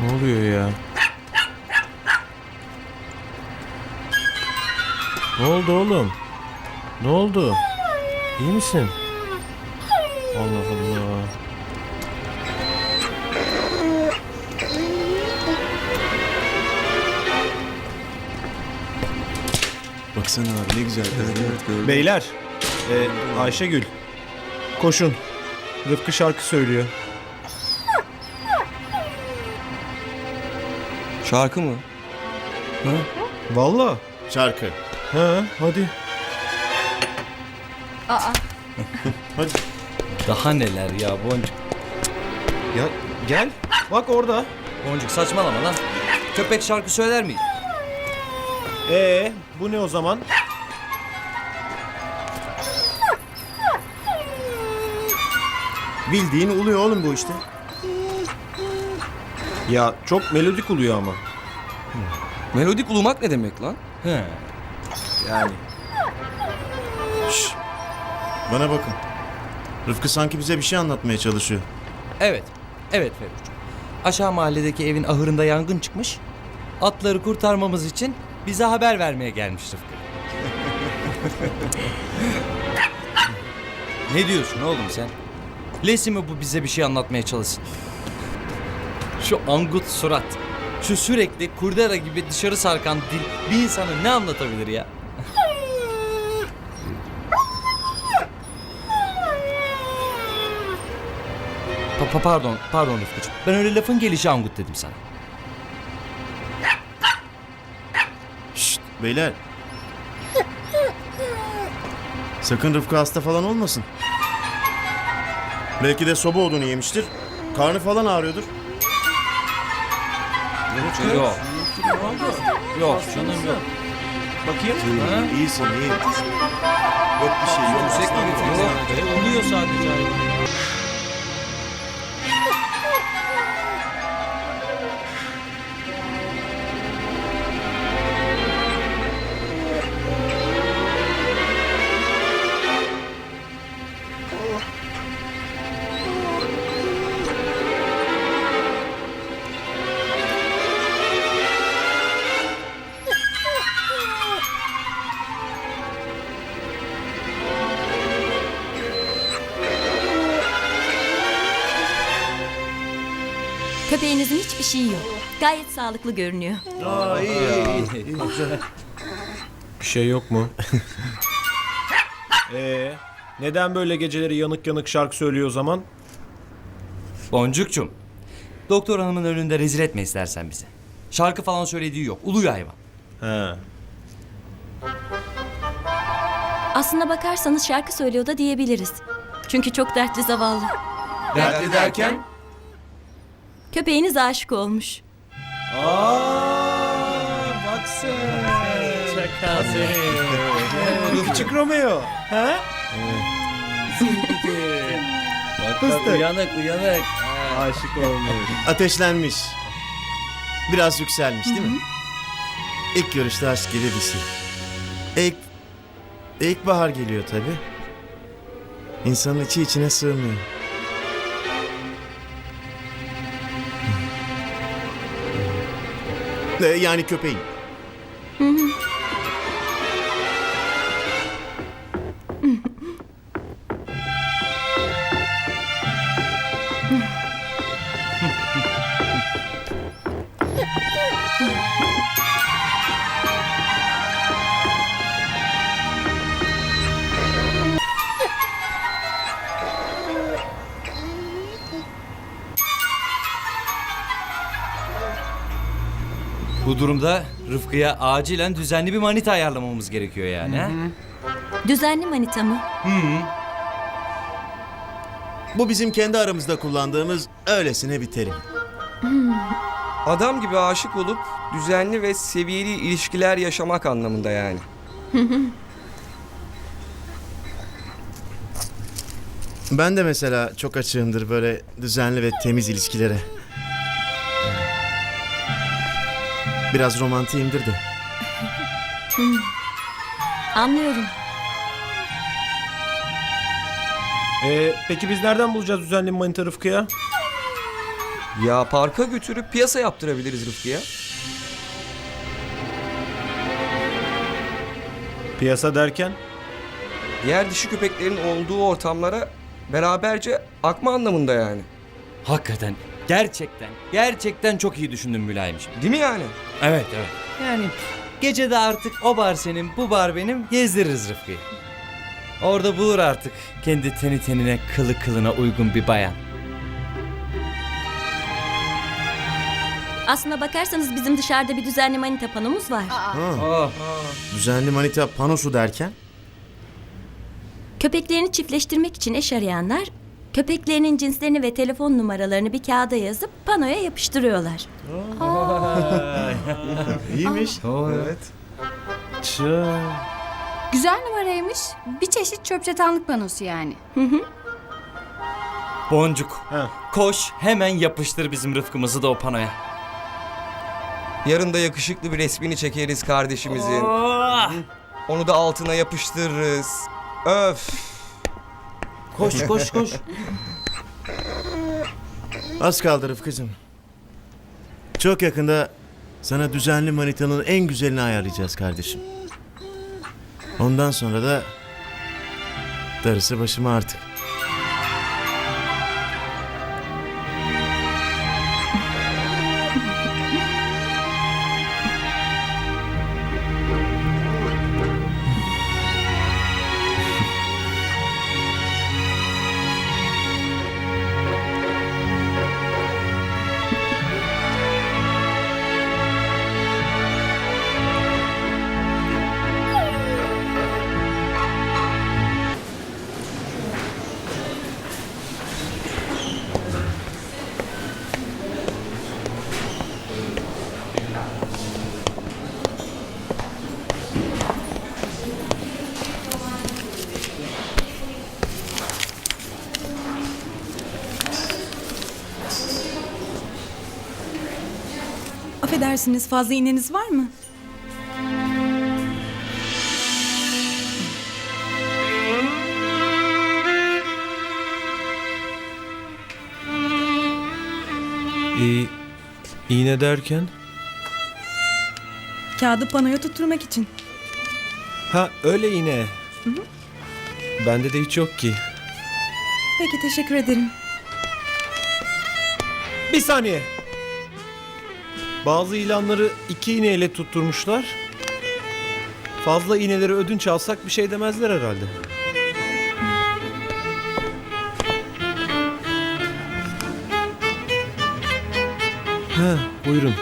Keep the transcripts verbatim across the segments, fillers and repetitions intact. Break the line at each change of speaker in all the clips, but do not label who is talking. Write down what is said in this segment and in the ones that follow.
Ne oluyor ya? Ne oldu oğlum? Ne oldu? İyi misin? Allah Allah.
Baksana abi ne güzel. Evet, evet, gördüm.
Beyler, e, Ayşegül, koşun. Rıfkı şarkı söylüyor.
Şarkı mı? Ha?
Vallahi.
Şarkı.
He, hadi.
Aa,
Hadi.
Daha neler ya Boncuk.
Ya gel. Bak orada.
Boncuk saçmalama lan. Köpek şarkı söyler mi?
Ee, bu ne o zaman?
Bildiğin uluyor oğlum bu işte.
Ya çok melodik oluyor ama.
Melodik ulumak ne demek lan?
He.
Yani.
Şşş. Bana bakın. Rıfkı sanki bize bir şey anlatmaya çalışıyor.
Evet. Evet Ferruç. Aşağı mahalledeki evin ahırında yangın çıkmış. Atları kurtarmamız için bize haber vermeye gelmiş Rıfkı. Ne diyorsun oğlum sen? Lesi mi bu bize bir şey anlatmaya çalışsın? Şu angut surat, şu sürekli kurdela gibi dışarı sarkan dil bir insana ne anlatabilir ya? Pa- pa- pardon, pardon Rıfkıcığım. Ben öyle lafın gelişi angut dedim sana.
Şşt beyler. Sakın Rıfkı hasta falan olmasın. Belki de soba odunu yemiştir. Karnı falan ağrıyordur.
Yok. Yok canım yok.
Bakayım.
Ha?
İyisin iyi. Yok bir şey yok.
Yüksek mi getiriyor? Yok. Oluyor sadece hayvan.
köpeğinizin hiçbir şeyi yok. Gayet sağlıklı görünüyor.
Bir şey yok mu? Ee, neden böyle geceleri yanık yanık şarkı söylüyor o zaman?
Boncukçum. Doktor hanımın önünde rezil etme istersen bizi. Şarkı falan söylediği yok. Uluyor hayvan.
He.
Aslına bakarsanız şarkı söylüyor da diyebiliriz. Çünkü çok dertli zavallı.
Dertli derken?
Köpeğiniz aşık olmuş.
Bak sen. Çakal seni. Küçük Romeo. He?
Bak
Fıstık.
uyanık uyanık.
Aşık olmuş.
Ateşlenmiş. Biraz yükselmiş değil mi? İlk görüşte aşk gibi bir şey. İlk, ilkbahar geliyor tabii. İnsanın içi içine sığmıyor. Ee, Yani köpeğin.
Bu durumda Rıfkı'ya acilen düzenli bir manita ayarlamamız gerekiyor yani. Ha?
Düzenli manita mı?
Bu bizim kendi aramızda kullandığımız öylesine bir terim.
Adam gibi aşık olup düzenli ve seviyeli ilişkiler yaşamak anlamında yani.
Ben de mesela çok açığımdır böyle düzenli ve temiz ilişkilere. Biraz romantiyimdir de.
Anlıyorum.
Ee, peki biz nereden bulacağız düzenli bir manita Rıfkı'ya?
Ya parka götürüp piyasa yaptırabiliriz Rıfkı'ya.
Piyasa derken?
Diğer dişi köpeklerin olduğu ortamlara beraberce akma anlamında yani.
Hakikaten, gerçekten, gerçekten çok iyi düşündün Mülayim'ciğim.
Değil mi yani?
Evet, evet. Yani gece de artık o bar senin, bu bar benim, gezdiririz Rıfkı'yı. Orada bulur artık kendi teni tenine, kılı kılına uygun bir bayan.
Aslına bakarsanız bizim dışarıda bir düzenli manita panomuz var.
Oh.
Düzenli manita panosu derken?
Köpeklerini çiftleştirmek için eş arayanlar köpeklerinin cinslerini ve telefon numaralarını bir kağıda yazıp panoya yapıştırıyorlar.
İyiymiş.
Evet.
Güzel numaraymış. Bir çeşit çöp çatanlık panosu yani.
Boncuk,
Ha.
koş hemen yapıştır bizim Rıfkımızı da o panoya.
Yarın da yakışıklı bir resmini çekeriz kardeşimizin.
Oh!
Onu da altına yapıştırırız. Öf.
Koş koş koş.
Az kaldı Rıfkı'cığım. Çok yakında sana düzenli manitanın en güzelini ayarlayacağız kardeşim. Ondan sonra da darısı başıma artık.
Affedersiniz, fazla iğneniz var mı?
İyi. İğne derken?
Kağıdı panoya tutturmak için.
Ha öyle iğne. Bende de hiç yok ki.
Peki, teşekkür ederim.
Bir saniye. Bazı ilanları iki iğneyle tutturmuşlar. Fazla iğneleri ödünç alsak bir şey demezler herhalde. Ha, buyurun.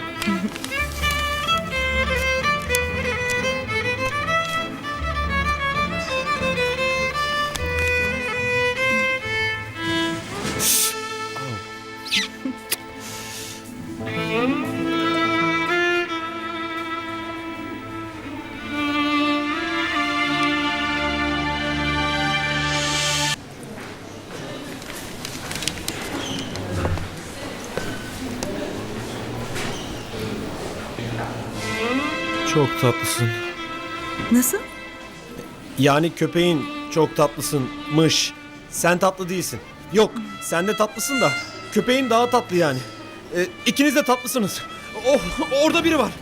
Çok tatlısın.
Nasıl?
Yani köpeğin çok tatlısınmış. Sen tatlı değilsin. Yok, sen de tatlısın da köpeğin daha tatlı yani. Ee, ikiniz de tatlısınız. Oh, orada biri var.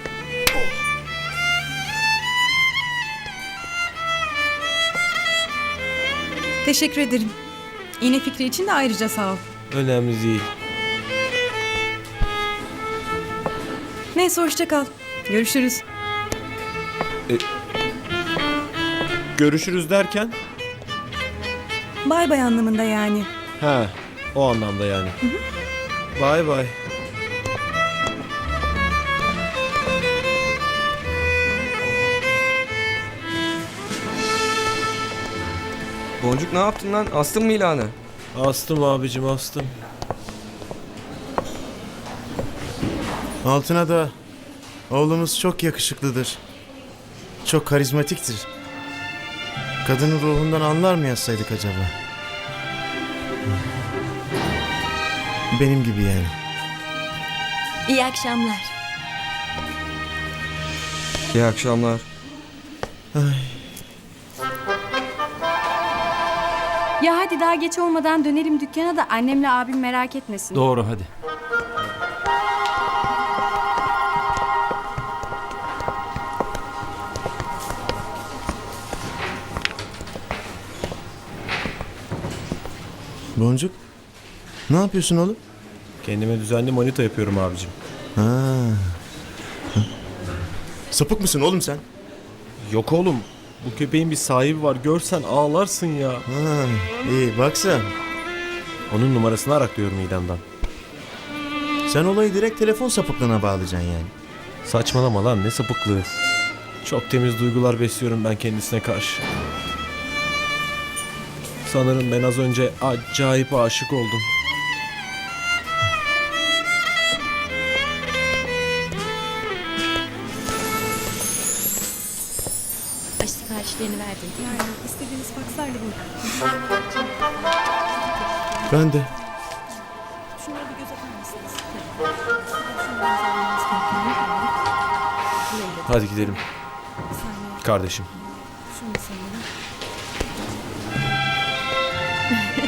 Teşekkür ederim. İğne fikri için de ayrıca sağ ol.
Önemli değil.
Neyse, hoşça kal. Görüşürüz.
Görüşürüz derken?
Bay bay anlamında yani.
Ha, o anlamda yani. Bay bay.
Boncuk, ne yaptın lan? Astın mı ilanı?
Astım abicim, astım.
Altına da oğlumuz çok yakışıklıdır. Çok karizmatiktir. Kadının ruhundan anlar mı yazsaydık acaba? Benim gibi yani.
İyi akşamlar.
İyi akşamlar.
Ya hadi daha geç olmadan dönelim dükkana da annemle abim merak etmesin.
Doğru hadi.
Boncuk. Ne yapıyorsun oğlum?
Kendime düzenli manita yapıyorum abicim.
Ha. Hı. Sapık mısın oğlum sen?
Yok oğlum. Bu köpeğin bir sahibi var. Görsen ağlarsın ya.
Ha, iyi bak sen.
Onun numarasını araklıyorum idamdan.
Sen olayı direkt telefon sapıklığına bağlayacaksın yani.
Saçmalama lan, ne sapıklığı. Çok temiz duygular besliyorum ben kendisine karşı. Sanırım ben az önce acayip aşık oldum.
Aş siparişlerini verdim.
Yani istediğiniz fakslarla buyurun.
Ben de.
Şunları bir göz atar mısınız?
Hadi gidelim kardeşim.
Şunu sanırım.